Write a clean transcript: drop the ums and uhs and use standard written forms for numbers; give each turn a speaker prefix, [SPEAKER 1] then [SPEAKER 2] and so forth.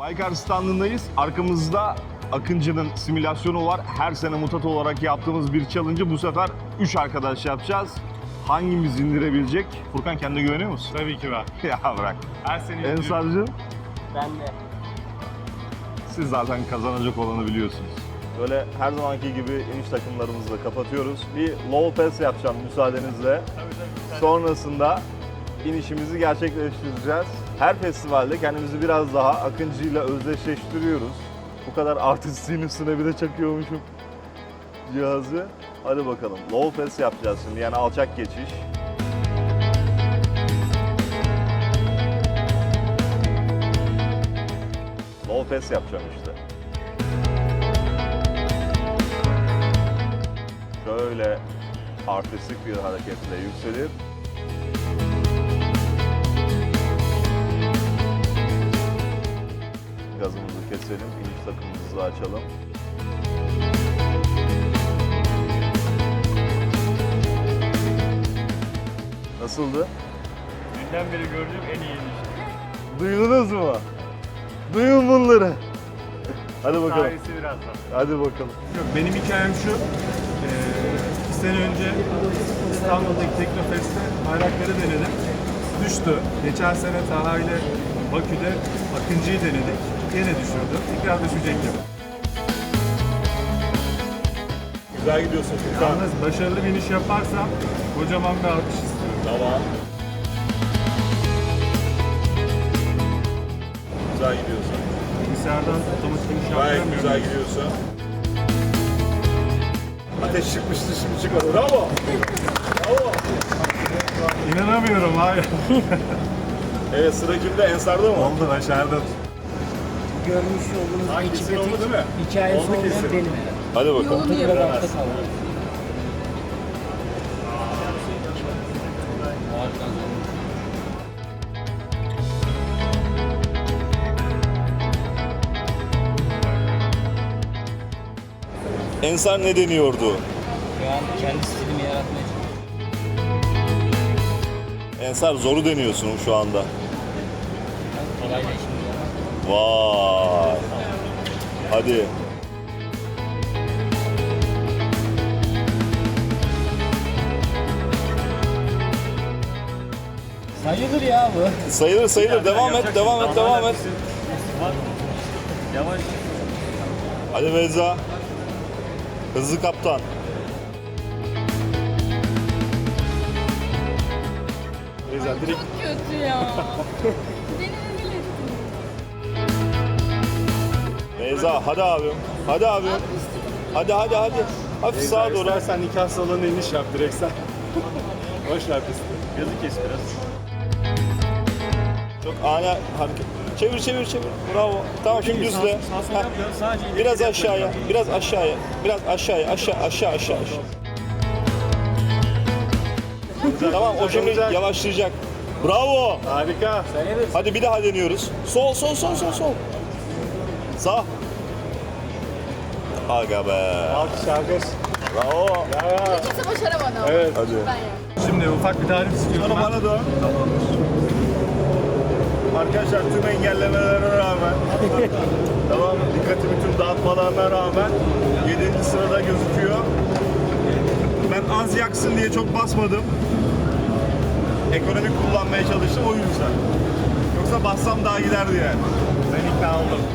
[SPEAKER 1] Baykar standındayız. Arkamızda Akıncı'nın simülasyonu var. Her sene mutat olarak yaptığımız bir challenge'ı bu sefer 3 arkadaş yapacağız. Hangimiz indirebilecek? Furkan, kendine güveniyor musun?
[SPEAKER 2] Tabii ki ben.
[SPEAKER 1] Ya bırak.
[SPEAKER 2] Her sene
[SPEAKER 1] Ensar'cığım,
[SPEAKER 3] Ben de.
[SPEAKER 1] siz zaten kazanacak olanı biliyorsunuz. Böyle her zamanki gibi iniş takımlarımızla kapatıyoruz. Bir low pass yapacağım müsaadenizle. Sonrasında inişimizi gerçekleştireceğiz. Her festivalde kendimizi biraz daha Akıncı'yla özdeşleştiriyoruz. Bu kadar artistin üstüne bir de çakıyormuşum cihazı. Hadi bakalım. Low pass yapacağız şimdi, yani alçak geçiş. Low pass yapacağım işte. Şöyle artistik bir hareketle yükselip gazımızı keselim, iniş takımımızı açalım. Nasıldı?
[SPEAKER 2] dünden beri gördüğüm en iyi inişti.
[SPEAKER 1] Duydunuz mu? Duyun bunları. Hadi bakalım.
[SPEAKER 2] Tarihsi birazdan.
[SPEAKER 1] Hadi bakalım.
[SPEAKER 2] Yok, benim hikayem şu. 2 sene önce İstanbul'daki Teknofest'te bayrakları denedim. Düştü. Geçen sene Taha ile Bakü'de Akıncı'yı denedik. Yine düşürdü. Tekrar düşecek gibi.
[SPEAKER 1] Güzel gidiyorsun Furkan.
[SPEAKER 2] Yalnız başarılı bir iniş yaparsam kocaman bir alkış istiyorum.
[SPEAKER 1] Tamam. Güzel gidiyorsun.
[SPEAKER 2] Bilgisayardan otomatik iniş
[SPEAKER 1] Gayet
[SPEAKER 2] yaptıramıyorum.
[SPEAKER 1] güzel gidiyorsun. Ateş çıkmıştı, şimdi çıkmadı. Bravo. Bravo.
[SPEAKER 2] İnanamıyorum, hayır.
[SPEAKER 1] Evet, sıra kimde? Ensar'da mı?
[SPEAKER 2] Oldu, başardım.
[SPEAKER 3] Görmüş olduğunuz
[SPEAKER 2] Hangisi
[SPEAKER 3] ekipte
[SPEAKER 2] oldu
[SPEAKER 3] tek
[SPEAKER 2] değil mi?
[SPEAKER 3] hikayesi
[SPEAKER 2] Oldu
[SPEAKER 3] olmayan
[SPEAKER 2] kesin.
[SPEAKER 3] benim herhalde.
[SPEAKER 1] Hadi bakalım.
[SPEAKER 3] Tek olarak da kaldı.
[SPEAKER 1] Ensar ne deniyordu?
[SPEAKER 3] Şu an kendi stilimi yaratmaya çalışıyorum.
[SPEAKER 1] Ensar zoru deniyorsun şu anda.
[SPEAKER 3] Kolayla işimiz var.
[SPEAKER 1] Vay. Hadi.
[SPEAKER 3] Sayılır ya bu.
[SPEAKER 1] Sayılır sayılır. Devam et, devam et, devam et.
[SPEAKER 2] Yavaş.
[SPEAKER 1] Hadi Meza. Hızlı kaptan. Meza direkt.
[SPEAKER 4] Çok kötü ya. Beni rezil ettin.
[SPEAKER 1] Meza hadi abim. Hadi abim. Hadi hadi hadi. Hafif sağa doğru.
[SPEAKER 2] İstersen nikah salonuna iniş yap direkt sen. Boş ver pisti. Gözü kes biraz.
[SPEAKER 1] Çok ani hareket. Çevir çevir çevir. Bravo. Tamam şimdi düzle.
[SPEAKER 2] Sağ sol
[SPEAKER 1] Ha.
[SPEAKER 2] yapmıyorsun, sadece ileri
[SPEAKER 1] Biraz
[SPEAKER 2] geri
[SPEAKER 1] aşağıya. Biraz aşağıya. Biraz aşağıya. Aşağı. Tamam, o şimdi yavaşlayacak. Bravo.
[SPEAKER 2] Harika.
[SPEAKER 1] Hadi bir daha deniyoruz. Sol. Sağ. Aga be.
[SPEAKER 2] Alkış alkış.
[SPEAKER 1] Bravo.
[SPEAKER 4] Kimse başaramadı ama.
[SPEAKER 2] Evet.
[SPEAKER 1] Hadi.
[SPEAKER 4] Ben yaptım.
[SPEAKER 2] Şimdi ufak bir tarif istiyorum ben.
[SPEAKER 1] Bana dön. Arkadaşlar tüm engellemelere rağmen tamam, dikkatimi tüm dağıtmalarına rağmen 7. sırada gözüküyor. Ben az yaksın diye çok basmadım. Ekonomik kullanmaya çalıştım o yüzden. Yoksa bassam daha giderdi yani.
[SPEAKER 2] Ben ikna oldum.